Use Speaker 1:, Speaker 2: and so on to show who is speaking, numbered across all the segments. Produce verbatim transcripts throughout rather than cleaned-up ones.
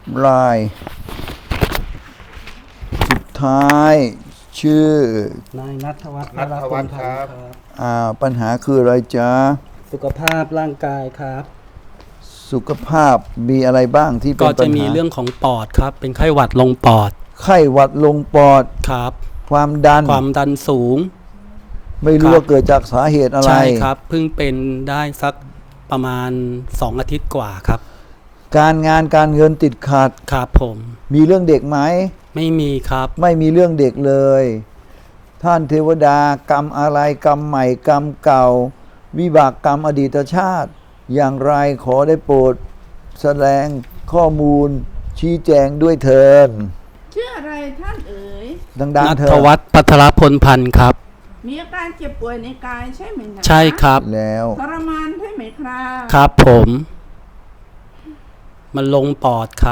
Speaker 1: รายสุดท้ายชื่อน
Speaker 2: ายณัฐวัฒน์
Speaker 3: ณัฐวัฒน์ครับ
Speaker 1: อ่าปัญหาคืออะไรจ๊ะ
Speaker 2: สุขภาพร่างกายครับ
Speaker 1: สุขภาพมีอะไรบ้างที่เป็น
Speaker 2: ก็
Speaker 1: ปั
Speaker 2: จะ
Speaker 1: ญ
Speaker 2: มี
Speaker 1: หา
Speaker 2: เรื่องของปอดครับ เป็นไข้หวัดลงปอด
Speaker 1: ไข้หวัดลงปอด
Speaker 2: ครับ
Speaker 1: ความดัน
Speaker 2: ความดันสูง
Speaker 1: ไม่รู้
Speaker 2: ครับ
Speaker 1: ว่าเกิดจากสาเหตุอะไร
Speaker 2: ใช่ครับเพิ่งเป็นได้สักประมาณสองอาทิตย์กว่าครับ
Speaker 1: การงานการเงินติดขัด
Speaker 2: ครับผม
Speaker 1: มีเรื่องเด็กไหม
Speaker 2: ไม่มีครับ
Speaker 1: ไม่มีเรื่องเด็กเลย ท่านเทวดากรรมอะไรกรรมใหม่กรรมเก่า วิบากกรรมอดีตชาติ อย่างไรขอได้โปรดแสดงข้อมูลชี้แจงด้วยเถิด
Speaker 4: ชื่ออะไรท่านเอ๋ย
Speaker 1: ดัง
Speaker 2: ณั
Speaker 1: ๆเถิ
Speaker 2: ฐ
Speaker 1: ด
Speaker 2: วัฒน์พัทรพลพันธ์ครับ
Speaker 4: มีอาการเจ็บป่วยในกายใช่ไหมนะ
Speaker 2: ใช่ครับ
Speaker 1: แล้ว
Speaker 4: ทรมานใช่ไหมครับ
Speaker 2: ครับผม มันลงปอดครับ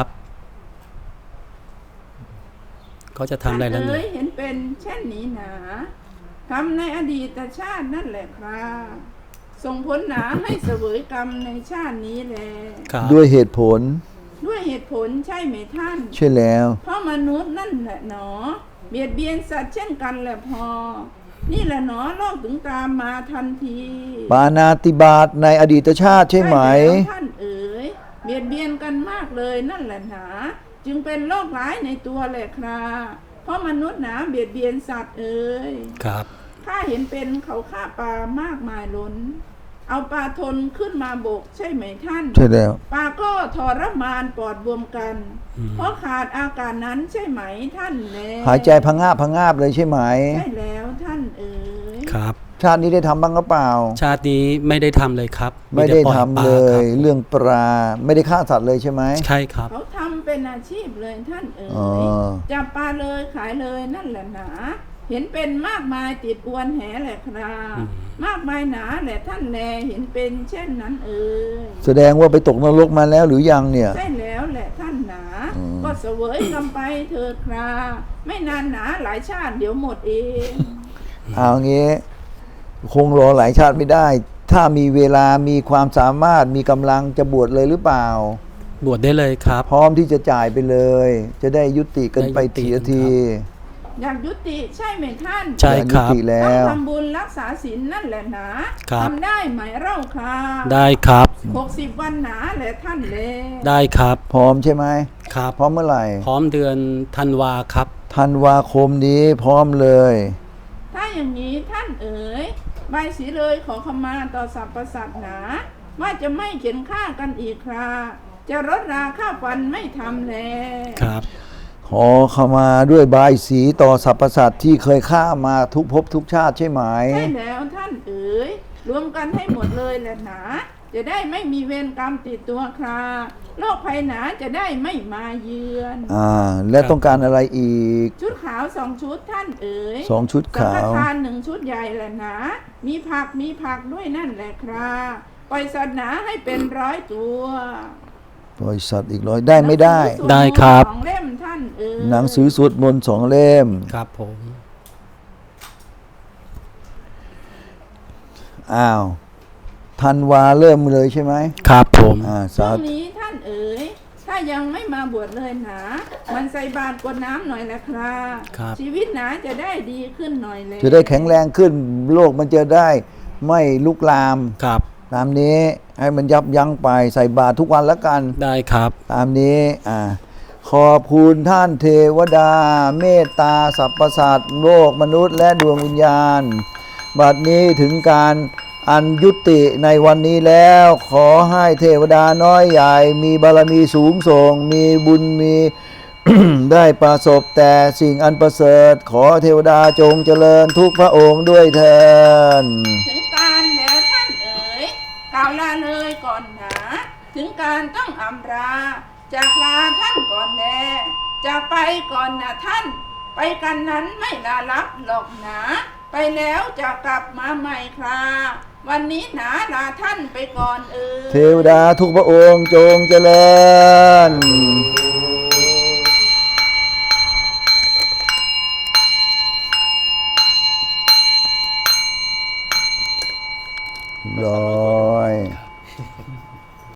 Speaker 2: ก็จะทำอะไรแล้ว
Speaker 4: ท่าน
Speaker 2: เนี่
Speaker 4: เอ๋
Speaker 2: ย
Speaker 4: ยเห็นเป็นเช่นนี้หนาทำในอดีตชาตินั่นแหละครับส่งผลหนาให้เสวยกรรมในชาตินี้แล
Speaker 2: ครับ
Speaker 1: ด้วยเหตุผล
Speaker 4: ด้วยเหตุผลใช่ไหมท่าน
Speaker 1: ใช่แล้ว
Speaker 4: เพราะมนุษย์นั่นแหละหนอ เบียดเบียนสัตว์เช่นกันแหละพอ นี่แหละหนอโลกถึงตามมาทันที
Speaker 1: ปานาติบาตในอดีตชาติใช่ไหม
Speaker 4: แล้วท่านเอ๋ยเบียดเบียนกันมากเลยนั่นแหละหนา จึงเป็นโรคร้ายในตัวแหละครับเพราะมนุษย์หนาเบียดเบียนสัตว์เอ๋ย
Speaker 2: ครับ
Speaker 4: ข้าเห็นเป็นเขาฆ่าปลามากมายล้น เอาปลาทนขึ้นมาบกใช่ไหมท่าน
Speaker 1: ใช่แล้ว
Speaker 4: ปลาก็ทรมานปอดบวมกัน
Speaker 2: อืม
Speaker 4: เพราะขาดอากาศนั้นใช่ไหมท่านแล
Speaker 1: หายใจพังงาบพังงาบเลยใช่ไหม
Speaker 4: ใช่แล้วท่านเอ๋ย
Speaker 2: ครับ
Speaker 1: ชาตินี้ได้ทำบ้างหรือเปล่า
Speaker 2: ชาตินี้ไม่ได้ทำเลยครับ
Speaker 1: ไม่ได้
Speaker 2: ปอ
Speaker 1: ทำ
Speaker 2: ปา
Speaker 1: เล
Speaker 2: ค
Speaker 1: ย
Speaker 2: รับ
Speaker 1: เรื่องปลาไม่ได้ฆ่าสัตว์เลยใช่ไหม
Speaker 2: ใช่ครับ
Speaker 4: เขาทำเป็นอาชีพเลยท่านเอ๋
Speaker 1: อ๋อย
Speaker 4: จับปลาเลยขายเลยนั่นแหละหนา เห็นเป็นมากมายติดอวนแหแหละครับ
Speaker 2: อืม
Speaker 4: มากมายหนาแหละท่านแลเห็นเป็นเช่นนั้นเอ๋ย
Speaker 1: แสดงว่าไปตกนรกมาแล้วหรือยังเนี่ย
Speaker 4: ใช่แล้วแหละท่านหนา
Speaker 1: อืม
Speaker 4: ก็เสวยกำไปเถิดคราไม่นานหนาหลายชาติเดี๋ยวหมดเอง
Speaker 1: เอางี้ คงรอหลายชาติไม่ได้ ถ้ามีเวลามีความสามารถมีกำลังจะบวชเลยหรือเปล่า
Speaker 2: บวชได้เลยครับ
Speaker 1: พร้อมที่จะจ่ายไปเลย จะได้ยุติกันไป
Speaker 2: ได้ยุติ
Speaker 1: ทีละ
Speaker 2: กัน
Speaker 1: ที
Speaker 4: อยากยุติใช่ไหมท่าน
Speaker 2: ใช่ครับ
Speaker 1: ยุติแล้
Speaker 4: ต้อง
Speaker 1: ว
Speaker 4: ทำบุญรักษาศีลนั่นแหละหนะครับ ทำได้ไหมเล่าค่ะ
Speaker 2: ได้ครับ
Speaker 4: หกสิบวันหนาแหละท่านเลย
Speaker 2: ได้ครับ
Speaker 1: พร้อมใช่ไหม
Speaker 2: ครับ
Speaker 1: พร้อมเมื่อไหร่
Speaker 2: พร้อมเดือนธันวาครับ
Speaker 1: ธันวาคมนี้พร้อมเลย
Speaker 4: ถ้าอย่างนี้ท่านเอ๋ยใบายสีเลยขอขมาต่อสรรพสัตว์หนา ว่าจะไม่เข็นฆ่ากันอีกคราจะลดราค่าฟันไม่ทำแล
Speaker 2: ครับ
Speaker 1: ขอเข้ามาด้วยบายสีต่อสรรพสัตว์ที่เคยฆ่ามาทุกภพทุกชาติใช่ไหม
Speaker 4: ใช่แล้วท่านเอ๋ยรวมกันให้หมดเลยแหละหนา จะได้ไม่มีเวรกรรมติดตัวคราโรคภัยหนาจะได้ไม่มาเยือน
Speaker 1: อ่า และต้องการอะไรอีก
Speaker 4: ชุดขาวสองชุดท่านเอ๋ย
Speaker 1: สองชุด
Speaker 4: สัง
Speaker 1: ขาว
Speaker 4: ฆทานหนึ่งชุดใหญ่แหละหนา มีผักมีผักด้วยนั่นแหละคราปล่อยสัตว์หนาให้เป็นร้อยตัว
Speaker 1: บริษัทอีกร้อยได้ไม่ได้
Speaker 4: หนังสือสวมนต์
Speaker 2: ได้ครับ
Speaker 4: สองเล่มท่านเอ๋ย
Speaker 1: หนังสือสวดมนต์สองเล่ม
Speaker 2: ครับผม
Speaker 1: อ้าวธันวาเริ่มเลยใช่ไหม
Speaker 2: ครับผม
Speaker 1: อ่า
Speaker 4: ช่
Speaker 1: สาว
Speaker 4: งนี้ท่านเอ๋ยถ้ายังไม่มาบวชเลยหนา มันใส่บาตรกรวดน้ำหน่อยแหละครา
Speaker 2: ครับ
Speaker 4: ชีวิตหนาจะได้ดีขึ้นหน่อยเลย
Speaker 1: จะได้แข็งแรงขึ้นโลกมันจะได้ไม่ลุกลาม
Speaker 2: ครับ
Speaker 1: ตามนี้ให้มันยับยั้งไปใส่บาตรทุกวันแล้วกัน
Speaker 2: ได้ครับ
Speaker 1: ตามนี้อ่าขอบคุณท่านเทวดา เมตตาสรรพสัตว์โลกมนุษย์และดวงวิญญาณ บัดนี้ถึงการอันยุติในวันนี้แล้ว ขอให้เทวดาน้อยใหญ่ มีบารมีสูงส่ง มีบุญมี ได้ประสบแต่สิ่งอันประเสริฐ ขอเทวดาจงเจริญทุกพระองค์ด้วยเถิด
Speaker 4: ถึงการแล้วท่านเอ๋ยกล่าวลาเลยก่อนหนา ถึงการต้องอำลาจากลาท่านก่อนแลจากไปก่อนนะท่าน ไปกันนั้นไม่ลาลับหรอกหนา ไปแล้วจะกลับมาใหม่คราวันนี้หนาลาท่านไปก่อนเอ๋ย
Speaker 1: เทวดาทุกพระองค์จงเจริญ